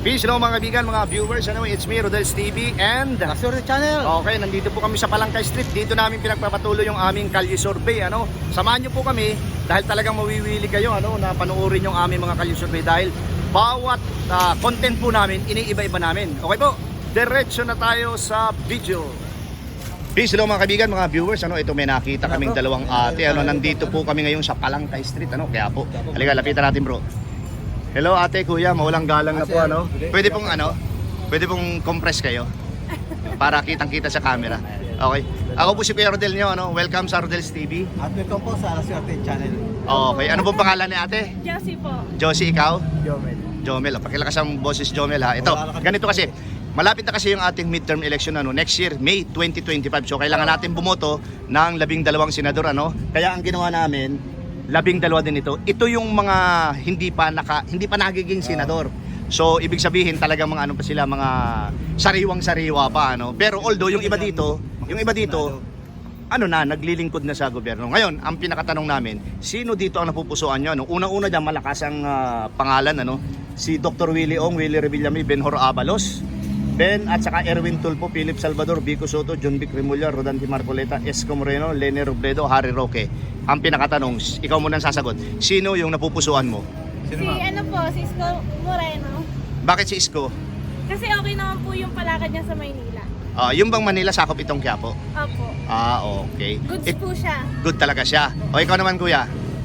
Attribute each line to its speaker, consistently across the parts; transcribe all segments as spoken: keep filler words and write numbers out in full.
Speaker 1: Peace hello mga kaibigan, mga viewers. Ano, it's me, Rodel's T V and
Speaker 2: Asur Channel.
Speaker 1: okay, nandito po kami sa Palangkay Street. Dito namin pinagpapatuloy yung aming kalye survey. Ano, samahan niyo po kami dahil talagang mawiwili kayo ano, na panoorin yung aming mga kalye survey dahil bawat uh, content po namin, iniiba-iba namin. Okay po, diretso na tayo sa video. Peace hello mga kaibigan, mga viewers. Ano, ito may nakita kaming dalawang ate. Ano, nandito po kami ngayon sa Palangkay Street. Ano, kaya po, halika, lapitan natin bro. Hello ate, kuya, mawalang galang na po ano. Pwede pong ano, pwede pong compress kayo para kitang-kita sa camera. Okay. Ako po si Kuya Rodel nyo, ano. Welcome sa Rodel's T V.
Speaker 2: At welcome po sa Asur Channel.
Speaker 1: Okay. Ano pong pangalan ni ate?
Speaker 3: Josie po.
Speaker 1: Josie, ikaw?
Speaker 2: Jomel.
Speaker 1: Jomel. Oh, pakilakas ang boses Jomel ha. Ito, ganito kasi. Malapit na kasi yung ating midterm election ano, next year, May twenty twenty-five. So kailangan natin bumoto ng labing dalawang senador ano. Kaya ang ginawa namin, labing dalawa din ito. Ito yung mga hindi pa naka hindi pa nagiging senador. So ibig sabihin talagang mga ano pa sila, mga sariwang-sariwa pa ano. Pero although yung iba dito, yung iba dito ano na, naglilingkod na sa gobyerno. Ngayon, ang pinakatanong namin, sino dito ang napupusuan nyo? Ano? Unang-una diyan malakas ang uh, pangalan ano, si Doctor Willie Ong, Willie Revillame, Benhur Abalos, Ben at saka Erwin Tulfo, Philip Salvador, Vico Soto, John Vic Remulla, Rodante Marcoleta, Isko Moreno, Lene Robredo, Harry Roque. Ang pinakatanong, ikaw muna ang sasagot. Sino yung napupusuan mo?
Speaker 3: Si ano po, si Isko Moreno.
Speaker 1: Bakit si Isko?
Speaker 3: Kasi okay naman po yung palakad niya sa Maynila.
Speaker 1: Ah, yung bang Manila sakop itong Quiapo?
Speaker 3: Opo.
Speaker 1: Ah, okay.
Speaker 3: Goods
Speaker 1: Eh,
Speaker 3: po siya.
Speaker 1: good talaga siya. O ikaw naman kuya?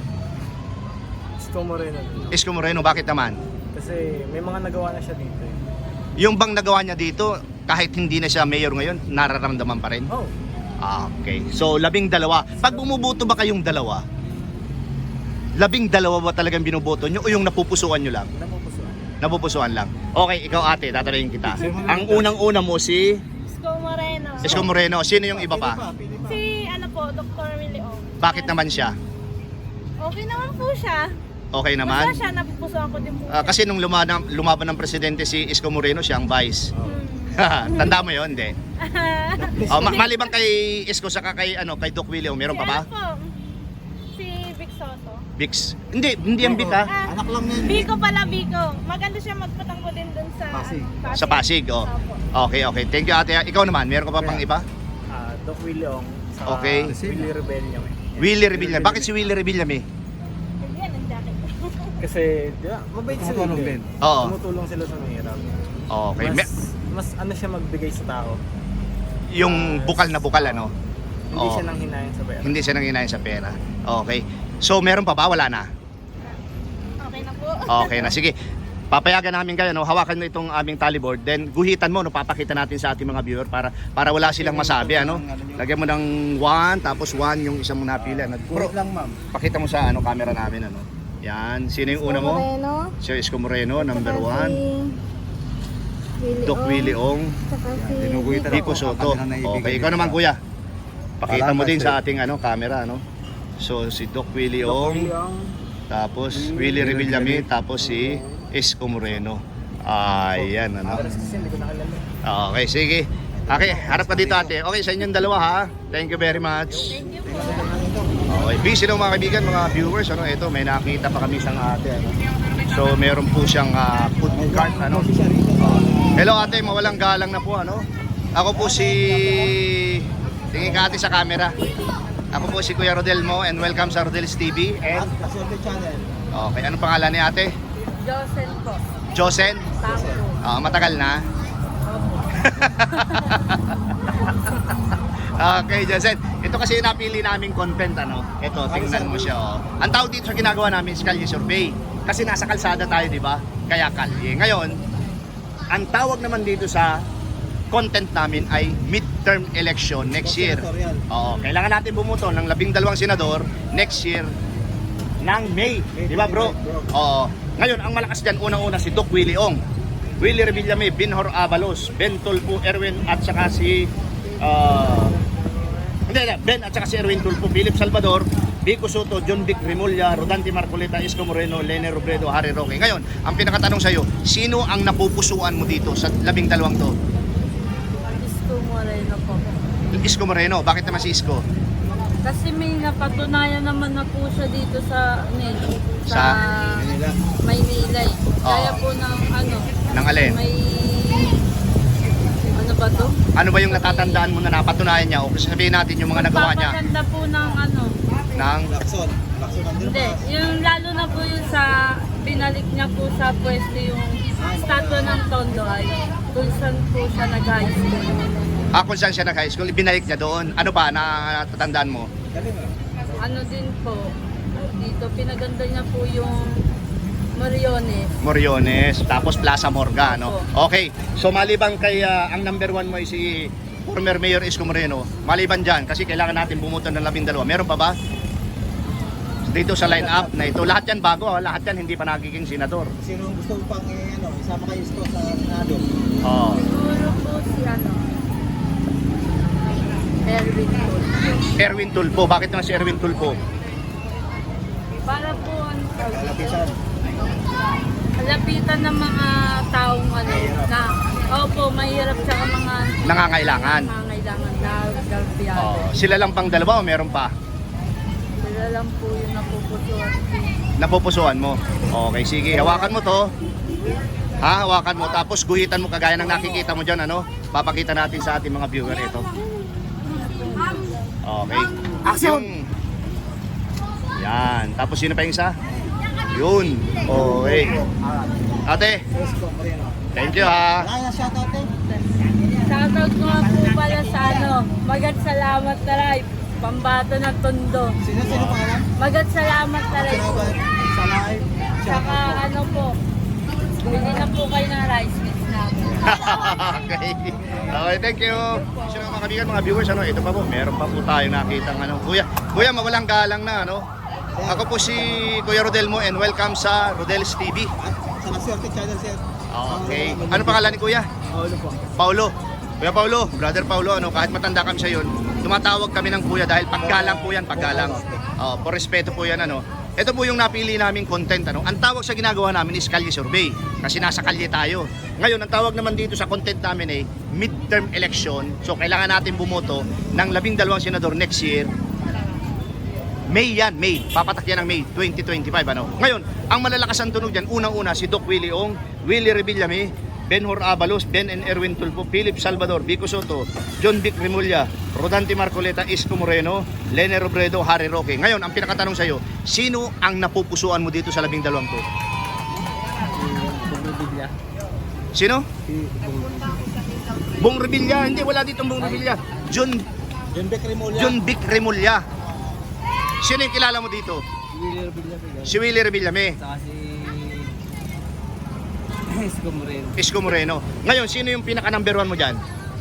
Speaker 2: Isko Moreno.
Speaker 1: Isko Moreno, bakit naman?
Speaker 2: Kasi may mga nagawa na siya dito. Eh.
Speaker 1: Yung bang nagawa niya dito, kahit hindi na siya mayor ngayon, nararamdaman pa rin?
Speaker 2: Oh.
Speaker 1: Ah, okay. So, labing dalawa. Pag bumuboto ba kayong dalawa, labing dalawa ba talagang binuboto nyo o yung napupusuan nyo lang?
Speaker 2: Napupusuan.
Speaker 1: Napupusuan lang. Okay, ikaw ate, tatanungin kita. Ang unang-una mo si
Speaker 3: Isko Moreno.
Speaker 1: Isko Moreno. Sino yung iba pa?
Speaker 3: Si ano po, Doctor Willie Ong.
Speaker 1: Bakit naman siya?
Speaker 3: Okay naman po siya.
Speaker 1: Okay
Speaker 3: Basta
Speaker 1: naman?
Speaker 3: siya, napupusuan ko din po.
Speaker 1: Ah, kasi nung lumaban, lumaban ng presidente si Isko Moreno, siya ang vice.
Speaker 3: Hmm.
Speaker 1: Tanda mo yun, hindi? Oh, ma- maliban kay Isko saka kay ano, kay Doc Willie, meron pa ba?
Speaker 3: Si ano po? Si Vic Soto.
Speaker 1: Bix. Hindi, hindi ang Bic ha.
Speaker 3: Ah,
Speaker 2: Anak lang yan.
Speaker 3: Biko pala, Biko. Maganda siya magpatanggo din dun sa
Speaker 2: Pasig.
Speaker 3: ano,
Speaker 1: Sa Pasig, oh.
Speaker 3: Opo.
Speaker 1: Okay, okay. Thank you ate. Ikaw naman, meron ka pa pang iba?
Speaker 2: Ah, Doc Willie Ong. Sa
Speaker 1: Okay.
Speaker 2: Willie Rebellion.
Speaker 1: Willie Revillame. Bakit si Willie Revillame?
Speaker 3: Yan ang jacket.
Speaker 2: Kasi, di ba, mabait sila.
Speaker 4: Tumutulong din.
Speaker 1: Oo.
Speaker 2: Tumutulong sila sa mahirap.
Speaker 1: Okay.
Speaker 2: Mas,
Speaker 1: Me-
Speaker 2: mas ano siya magbigay sa tao.
Speaker 1: yung bukal na bukal ano?
Speaker 2: Hindi
Speaker 1: Oo.
Speaker 2: siya nang hinayin sa pera.
Speaker 1: Hindi siya nanginayin sa pera. Okay. So meron pa ba? Wala na?
Speaker 3: Okay na po.
Speaker 1: Okay na. Sige. Papayagan namin kayo, no? Hawakan mo itong aming tallyboard. Then guhitan mo, no? Papakita natin sa ating mga viewer para para wala silang masabi, ano? Lagyan mo ng one, tapos one yung isang mo napili. Ano? Bro,
Speaker 4: Kurot lang, ma'am.
Speaker 1: pakita mo sa ano camera namin, ano? Yan. Sino yung una mo?
Speaker 3: Moreno.
Speaker 1: Si Isko Moreno, number
Speaker 3: Saka
Speaker 1: one.
Speaker 3: Si Willie
Speaker 1: Doc
Speaker 3: Ong.
Speaker 1: Willie Ong.
Speaker 3: Saka si
Speaker 4: Dinuguhitan
Speaker 1: Vico
Speaker 4: ako.
Speaker 1: Soto.
Speaker 4: Kami na naibigay
Speaker 1: Okay,
Speaker 4: nila.
Speaker 1: ikaw naman kuya. Pakita mo
Speaker 4: Salamat,
Speaker 1: din
Speaker 4: sir.
Speaker 1: sa ating ano camera, ano? So si Doc Willie
Speaker 2: Doc Willie
Speaker 1: Ong,
Speaker 2: Ong.
Speaker 1: tapos Willie Revillame, tapos si Isko Moreno. Ayan, ano?
Speaker 2: Address kasi hindi ko nakilala.
Speaker 1: Okay, sige. Okay, harap ka dito ate. Okay, sa inyong dalawa ha. Thank you very much.
Speaker 3: Thank you po.
Speaker 1: Okay, busy lang mga kaibigan, mga viewers. Ano, ito, may nakita pa kami isang ate. Ano? So, meron po siyang uh, food cart. Ano? Oh. Hello ate, mawalang galang na po. Ano? Ako po si... Tingin ka ate sa camera. Ako po si Kuya Rodel mo and welcome sa Rodel's T V. And,
Speaker 2: Asur Channel.
Speaker 1: okay, anong pangalan ni ate?
Speaker 3: Josen po.
Speaker 1: Josen?
Speaker 3: Tango.
Speaker 1: Ah, matagal na. Okay, Josen. Ito kasi yung napili naming content, ano? Ito, tingnan mo siya, oh. Ang tawag dito sa ginagawa namin is kalye survey. Kasi nasa kalsada tayo, di ba? Kaya kalye. Ngayon, ang tawag naman dito sa content namin ay midterm election next year. Oo, kailangan natin bumuto ng labing dalawang senador next year ng May. Di ba, bro? Oo. Ngayon, ang malakas dyan, unang-una si Doc Willie Ong, Willie Revillame, Benhur Abalos, Ben Tulfo, Erwin at saka si uh, hindi, hindi, Ben at saka si Erwin Tulfo, Philip Salvador, Vico Soto, John Vic Remulla, Rodante Marcoleta, Isko Moreno, Lene Robredo, Harry Roque. Ngayon, ang pinakatanong sa iyo, sino ang napupusuan mo dito sa labing dalawang to?
Speaker 5: Isko Moreno po.
Speaker 1: Isko Moreno. Bakit naman si Isko?
Speaker 5: Kasi may napatunayan naman na po siya dito sa ano, eh, sa,
Speaker 1: Sa
Speaker 5: Maynila eh. Kaya
Speaker 1: Oo.
Speaker 5: po ng ano,
Speaker 1: Ng alin?
Speaker 5: May... Ano ba to?
Speaker 1: Ano ba yung natatandaan mo na napatunayan niya? O kasi sabihin natin yung mga nagawa niya
Speaker 5: Papaganda po ng ano.
Speaker 1: ng...
Speaker 2: Lakson. Lakson ang
Speaker 5: Hindi, yung lalo na po yung sa binalik niya po sa pwesto yung statwa ng Tondo ay kung saan po siya nag-high school.
Speaker 1: Ah, kung saan siya nag-high school, ibinalik niya doon. Ano ba na natatandaan mo?
Speaker 2: Galing ah.
Speaker 5: Ano din po, dito pinaganda niya po yung Moriones.
Speaker 1: Moriones, tapos Plaza Morga, no? Okay, so maliban kay ah, ang number one mo ay si former Mayor Isko Moreno, maliban dyan, kasi kailangan natin bumuto ng labing dalawa. Meron pa ba? Dito sa line-up na ito, lahat yan bago, ah. Lahat yan hindi pa nagiging senador.
Speaker 2: Sino ang gusto mo pang eh, ano, isama kayo Isko sa Senado?
Speaker 1: Oh.
Speaker 5: Siguro po si ano, Erwin po.
Speaker 1: Erwin Tulfo, bakit naman si Erwin Tulfo?
Speaker 5: Para po ano,
Speaker 2: Kalapisan.
Speaker 5: lapitan ng mga taong ano, na, opo, mahirap tsaka mga
Speaker 1: Nangangailangan.
Speaker 5: nangangailangan na galpiado.
Speaker 1: Oh, sila lang pang dalawa o meron pa?
Speaker 5: Sila lang po yung napupusuan.
Speaker 1: Napupusuan mo. Okay, sige, hawakan mo to. Ha, hawakan mo tapos guhitan mo kagaya ng nakikita mo diyan, ano? Papakita natin sa ating mga viewer ito. Okay. Action. Yan. Tapos sino pa yung isa? Yun. Okay. Ate,
Speaker 2: Isko Moreno.
Speaker 1: thank you ha.
Speaker 2: Kaya shoutout eh.
Speaker 5: Shoutout ko nga po pala sa ano, Magat Salamat Taray, Pambato ng Tondo.
Speaker 2: Sino sino pangalan?
Speaker 5: Magat Salamat Taray po.
Speaker 2: Sa live.
Speaker 5: Tsaka ano po, bili na po kayo ng rice mix namin.
Speaker 1: Okay. Okay, thank you. So mga kaibigan, mga viewers, ano, ito pa po, meron pa po tayo nakitang ano. Kuya, kuya, mawalang galang na, ano. Ako po si Kuya Rodel mo and welcome sa Rodel's T V.
Speaker 2: At sa Maswerte Channel sir.
Speaker 1: Okay. Ano pangalan ni Kuya?
Speaker 2: Paulo po.
Speaker 1: Paulo. Kuya Paulo, brother Paulo, ano, kahit matanda kami sa yun, tumatawag kami ng kuya dahil paggalang po yan, paggalang. Oh, por respeto po yan, ano. Ito po yung napili naming content, ano. Ang tawag sa ginagawa namin is kalye survey kasi nasa kalye tayo. Ngayon, ang tawag naman dito sa content namin ay midterm election. So, kailangan natin bumoto ng labing dalawang senador next year. May yan, May. Papatak yan ng May twenty twenty-five, ano. Ngayon, ang malalakas ang tunog dyan, unang-una si Doc Willie Ong, Willie Revillame, Benhur Abalos, Ben and Erwin Tulfo, Philip Salvador, Vico Soto, John Vic Remulla, Rodante Marcoleta, Isko Moreno, Lene Robredo, Harry Roque. Ngayon, ang pinakatanong sa'yo, sino ang napupusuan mo dito sa labing dalawang to?
Speaker 2: Bumibigla.
Speaker 1: Sino?
Speaker 2: Si
Speaker 1: Bong Revilla. Hindi, wala ditong Bong Revilla. John,
Speaker 2: John Beck Remulla.
Speaker 1: John Vic Remulla. Sino yung kilala mo dito?
Speaker 2: Willie Revilla.
Speaker 1: Si Willie Revillame,
Speaker 2: Saka si Isko Moreno.
Speaker 1: Isko Moreno. Ngayon, sino yung pinaka number one mo dyan?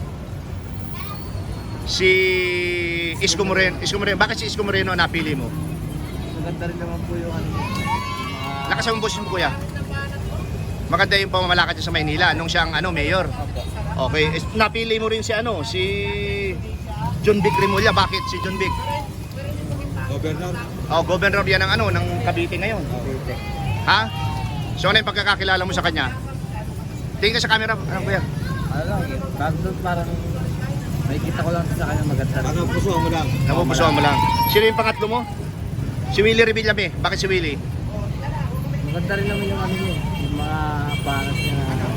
Speaker 1: Si Isko Moreno. Isko Moreno. Bakit si Isko Moreno ang napili mo?
Speaker 2: Maganda rin naman po yung ano. Mga...
Speaker 1: Lakas ang boses mo, kuya. Maganda yung pamamalakad niya sa Maynila nung siyang ano, mayor. Okay. Eh, napili mo rin si ano, si John Vic Remulla. Bakit si John Vic?
Speaker 2: Governor.
Speaker 1: Oh, governor yan ng ano, ng Cavite ngayon. Ha? So ano yung pagkakakilala mo sa kanya? Tingin ka sa camera, ano kuya?
Speaker 2: Ano lang, eh, parang, parang may kita ko lang sa kanya maganda. Ano, puso mo lang.
Speaker 1: Napupusuan mo lang. Sino yung pangatlo mo? Si Willie Revillame. Bakit si Willie?
Speaker 2: Maganda rin naman yung ano niya, yung mga panas niya.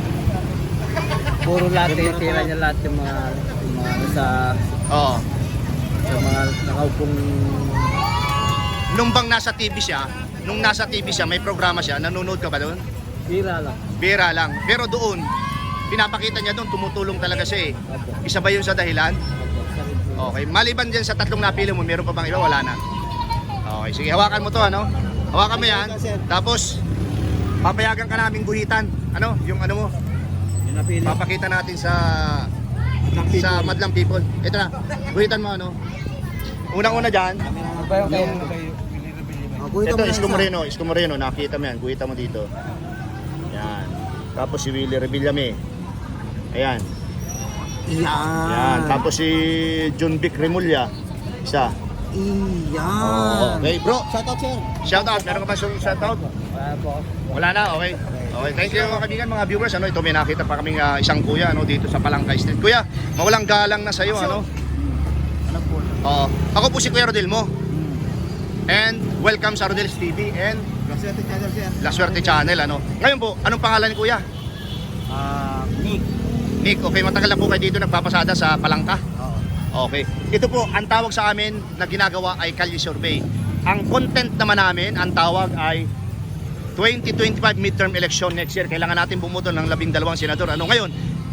Speaker 2: Puro lahat, eh, tira niya lahat yung mga, yung mga sa,
Speaker 1: Oo.
Speaker 2: sa mga nakaupong...
Speaker 1: Nung bang nasa T V siya, nung nasa T V siya, may programa siya, nanonood ka ba doon?
Speaker 2: Tira lang.
Speaker 1: Bira lang. Pero doon, pinapakita niya doon, tumutulong talaga siya eh.
Speaker 2: Opo.
Speaker 1: Isa ba yun sa dahilan?
Speaker 2: Opo. Sakit po.
Speaker 1: Okay. Maliban dyan sa tatlong napili mo, meron pa bang iba? Wala na. Okay, sige. Hawakan mo to, ano? Hawakan mo yan. Tapos, papayagan ka namin guhitan. Ano? Yung ano mo,
Speaker 2: Yung napili.
Speaker 1: papakita natin sa sa Madlang People. Ito na. Guhitan mo, ano? Unang-una dyan,
Speaker 2: Ano ba yung kayo? Ano kayo?
Speaker 1: ito, Isko Moreno. Isko Moreno, nakita mo yan. Guhitan mo dito. Yan. Tapos si Willie Revillame. Ayan.
Speaker 2: Iyan.
Speaker 1: Yan. Tapos si John Vic Remulla. Isa.
Speaker 2: Iyan.
Speaker 1: Okay, bro.
Speaker 2: Shoutout sir.
Speaker 1: Shout out. Meron ka ba shout out?
Speaker 2: Wala po.
Speaker 1: Wala na, okay. Okay, thank you mga kaibigan, mga viewers. Ano, ito may nakita pa kaming ah, isang kuya ano dito sa Palangka Street. Kuya, mawalang galang na sa iyo, ano?
Speaker 2: Ano po?
Speaker 1: Oo. Ako po si Kuya Rodel mo. And welcome sa Rodel's T V and
Speaker 2: Maswerte Channel sir.
Speaker 1: La Suerte Channel, ano. Ngayon po, anong pangalan ni Kuya?
Speaker 2: Ah, Nick.
Speaker 1: Nick, okay, matagal na po kayo dito nagpapasada sa Palangka?
Speaker 2: Oo.
Speaker 1: Okay. Ito po, ang tawag sa amin na ginagawa ay Kalye Survey. Ang content naman namin, ang tawag ay twenty twenty-five midterm election next year. Kailangan natin bumoto ng labing dalawang senador. Ano ngayon?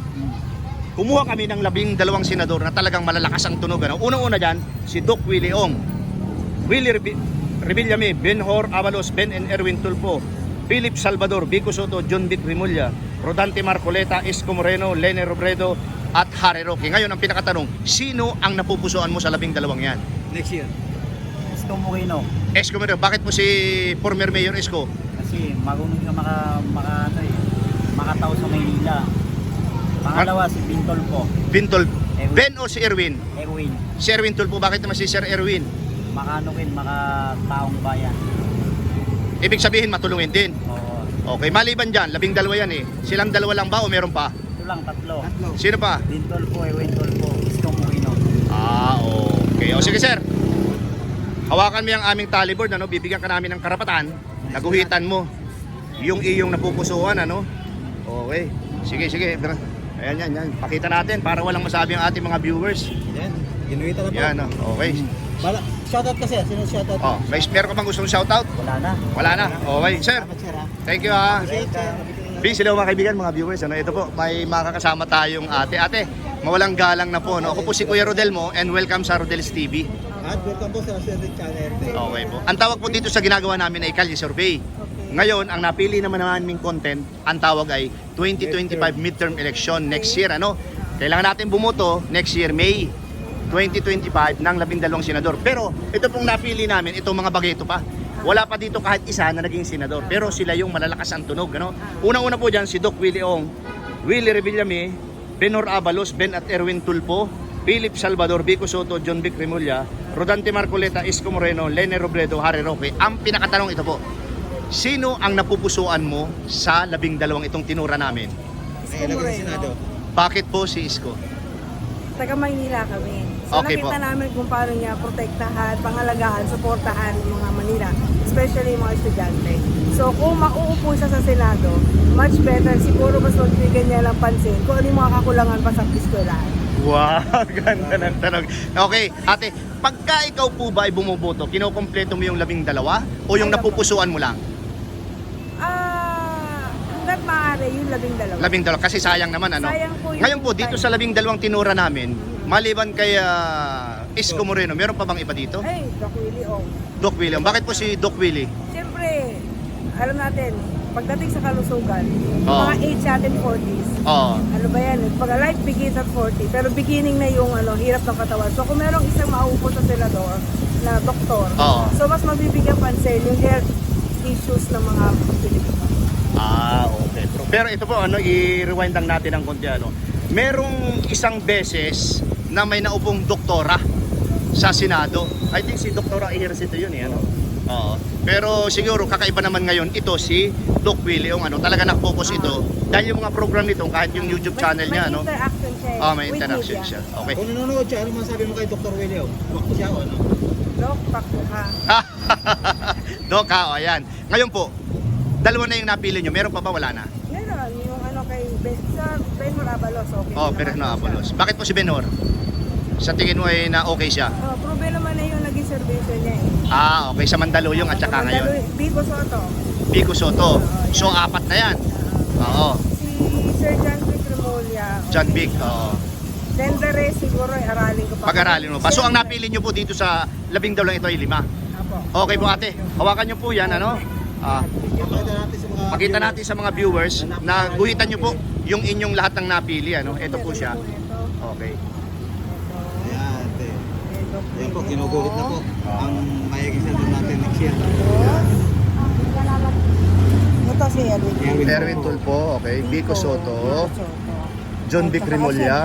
Speaker 1: Kumuha kami ng labing dalawang senador na talagang malalakas ang tunog. Ano? Unang-una dyan, si Doc Willie Ong, Willie Rebi- Revillame, Benhor Avalos, Ben and Erwin Tulfo, Philip Salvador, Vico Soto, John Vic Remulla, Rodante Marcoleta, Isko Moreno, Lene Robredo, at Harry Roque. Ngayon, ang pinakatanong, sino ang napupusuan mo sa labing dalawang yan?
Speaker 2: Next year. Isko Moreno.
Speaker 1: Isko Moreno, bakit po si former Mayor Isko?
Speaker 2: Kasi marunong ka maka, maka, ano eh, makatao sa Maynila. Pangalawa si Bintol po.
Speaker 1: Bintol,
Speaker 2: Erwin.
Speaker 1: Ben o si Erwin?
Speaker 2: Erwin.
Speaker 1: Si Erwin Tulfo, bakit naman si Sir Erwin?
Speaker 2: Makano rin, makataong bayan.
Speaker 1: Ibig sabihin, matulungin din.
Speaker 2: Oo.
Speaker 1: Okay, maliban dyan, labing dalawa yan eh. Silang dalawa lang ba o meron pa?
Speaker 2: Ito lang, tatlo.
Speaker 1: Sino pa?
Speaker 2: Bintol po, Erwin Tulfo, Isko Moreno.
Speaker 1: Ah, okay. O sige sir. Hawakan mo yung aming tallyboard, ano? Bibigyan ka namin ng karapatan. Naguhitan mo yung iyong napupusuan, ano? Okay. Sige, sige. Ayan, yan, yan. Pakita natin para walang masabi ang ating mga viewers.
Speaker 2: Yan, ginuwita na po.
Speaker 1: Yan, oh. Okay.
Speaker 2: Bala, shoutout kasi, sino shoutout?
Speaker 1: Oh, may meron ka bang gustong shoutout?
Speaker 2: Wala na.
Speaker 1: Wala na. Okay, sir.
Speaker 2: Salamat, sir, ha?
Speaker 1: Thank you, ha.
Speaker 2: Welcome.
Speaker 1: Peace, hello mga kaibigan, mga viewers. Ano, ito po, may makakasama tayong ate. Ate, mawalang galang na po. No? Ako po si Kuya Rodel mo and welcome sa Rodel's T V.
Speaker 2: At welcome po sa Sir Channel.
Speaker 1: Okay po. Ang tawag po dito sa ginagawa namin ay Kalye Survey. Ngayon, ang napili naman naming content, ang tawag ay twenty twenty-five midterm election next year. Ano? Kailangan natin bumoto next year, May twenty twenty-five, ng labing dalawang senador. Pero ito pong napili namin, itong mga bageto pa. Wala pa dito kahit isa na naging senador. Pero sila yung malalakas ang tunog. Ano? Unang-una po dyan, si Doc Willie Ong, Willie Revillame, Benhor Avalos, Ben at Erwin Tulfo, Philip Salvador, Vico Soto, John Vic Remulla, Rodante Marcoleta, Isko Moreno, Lene Robredo, Harry Roque. Ang pinakatanong ito po, sino ang napupusuan mo sa labing dalawang itong tinura namin?
Speaker 3: Isko Moreno.
Speaker 1: Bakit po si Isko?
Speaker 3: Taga Maynila kami. So
Speaker 1: Okay
Speaker 3: nakita
Speaker 1: po.
Speaker 3: namin kung paano niya protektahan, pangalagaan, suportahan yung mga Manila, especially yung mga estudyante. So kung mauupo siya sa Senado, much better, siguro mas magbigyan niya lang pansin kung ano yung mga kakulangan pa sa eskwelahan.
Speaker 1: Wow, ganda ng tanong. Okay, ate, pagka ikaw po ba ay bumuboto, kinukompleto mo yung labing dalawa o yung
Speaker 3: Ayaw po.
Speaker 1: napupusuan mo lang?
Speaker 3: Ah, hanggat maaari yung labing dalawa.
Speaker 1: Labing dalawa, kasi sayang naman ano.
Speaker 3: Sayang po yung
Speaker 1: Ngayon po, dito
Speaker 3: time.
Speaker 1: sa labing dalawang tinura namin, maliban kay ah, Isko Moreno, meron pa bang iba dito?
Speaker 3: Ay, Doc Willie Ong.
Speaker 1: Doc William, bakit po si Doc Willie?
Speaker 3: Siyempre, alam natin, pagdating sa kalusugan, yung
Speaker 1: Oo.
Speaker 3: mga age natin forties,
Speaker 1: Oo.
Speaker 3: ano ba yan, pag life begins at forty, pero beginning na yung ano, hirap ng katawan. So kung merong isang mauupo sa senador na doktor,
Speaker 1: Oo.
Speaker 3: so mas mabibigyan pansin yung health issues ng mga Pilipino.
Speaker 1: Ah, okay. Pero, pero ito po, ano, i-rewind lang natin ng konti, ano. Merong isang beses na may naupong doktora sa Senado. I think si Doktora Ejercito yun eh, ano. Oo. Pero siguro kakaiba naman ngayon ito si Doc Willie yung ano, talaga nak-focus ito dahil yung mga program nito kahit yung YouTube channel
Speaker 3: may,
Speaker 1: niya,
Speaker 3: may
Speaker 1: ano.
Speaker 3: interaction siya eh,
Speaker 1: Oh, may
Speaker 3: with
Speaker 1: interaction
Speaker 3: media.
Speaker 1: siya. Okay.
Speaker 2: Kung nanonood siya, ano masabi mo kay Doctor Willie? Wakto siya o ano?
Speaker 3: Doc, pakto ka.
Speaker 1: Doc, ha, o, ayan. Ngayon po, dalawa na yung napili nyo. Meron pa ba? Wala na?
Speaker 3: Meron, yung ano kay Ben, sa Benhor Avalos, okay.
Speaker 1: Oh,
Speaker 3: naman
Speaker 1: pero na
Speaker 3: siya.
Speaker 1: Apolos. Bakit po si Benhor? Sa tingin mo ay na okay siya?
Speaker 3: Oh, probe naman na yung naging servisyo niya eh.
Speaker 1: Ah, okay. Sa Mandaluyong at saka ngayon.
Speaker 3: Mandaluyong- Vico Soto.
Speaker 1: Vico Soto. So, apat na yan. Oo.
Speaker 3: Si Sir John Vic Remulla.
Speaker 1: John Vic. Oo.
Speaker 3: Then the rest siguro ay aralin ko pa.
Speaker 1: Pag-aralin mo pa. So, ang
Speaker 3: Siyempre.
Speaker 1: napili nyo po dito sa labing dalawang ito ay lima.
Speaker 3: Apo.
Speaker 1: Okay po ate. Hawakan nyo po yan, ano? Ah,
Speaker 2: Pakita natin sa mga...
Speaker 1: pakita natin sa mga viewers na guhitan nyo po yung inyong lahat ng napili, ano? Ito po siya.
Speaker 3: Ito.
Speaker 1: Okay.
Speaker 2: Ayan, te.
Speaker 3: Ito.
Speaker 2: Ayan po, kinuguhit na po. Ang mayagin sa natin next year.
Speaker 3: Ito si Erwin.
Speaker 2: Erwin
Speaker 1: Erwin Tulfo, okay. Vico Soto. John Vic Remulla.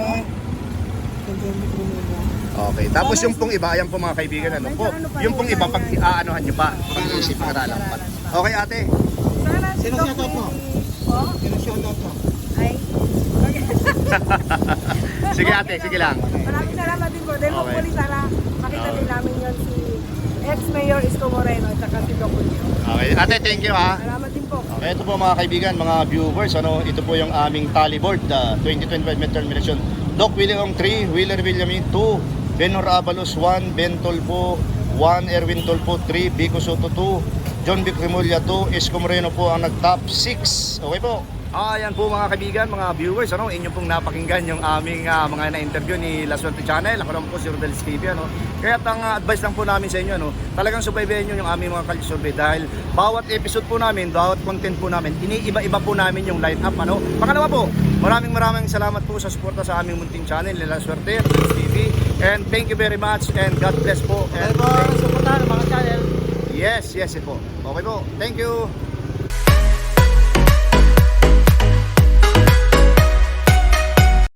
Speaker 1: Okay. Tapos yung pong iba, ayan po mga kaibigan, ano po? Yung pong iba, pag aanohan nyo pa, pag-iisip, pag-aralan pa. Okay ate.
Speaker 2: Sino shoutout mo?
Speaker 3: Oh?
Speaker 2: Sino shoutout mo?
Speaker 3: Ay. Okay.
Speaker 1: Sige ate, sige lang.
Speaker 3: Maraming salamat din po. Dahil
Speaker 1: Okay.
Speaker 3: hopefully sana makita din namin yun si ex-mayor Isko Moreno at saka si Doc Julio.
Speaker 1: Okay. Ate, thank you ha.
Speaker 3: Salamat din po.
Speaker 1: Ito po mga kaibigan, mga viewers, ano, ito po yung aming tally board, uh, twenty twenty-five midterm election. Doc William three, Wheeler Villamin two, Benor Abalos one, Ben Tolpo one, Erwin Tolpo three, Vico Soto two, John Vic Remulla two, Isko Moreno po ang nag-top six. Okay po. Ayan po mga kaibigan, mga viewers, ano, inyo pong napakinggan yung aming uh, mga na-interview ni La Suerte Channel. Ako naman po si Rodel Stevie, ano. Kaya ang uh, advice lang po namin sa inyo, ano, talagang subaybayan nyo yung aming mga culture survey dahil bawat episode po namin, bawat content po namin, iniiba-iba po namin yung line up, ano. Pangalawa po, maraming maraming salamat po sa suporta sa aming munting channel, ni La Suerte, Rodel Stevie, and thank you very much and God bless po. And
Speaker 2: Okay po, suportahan ang mga channel.
Speaker 1: yes, yes, po. Okay po. Thank you.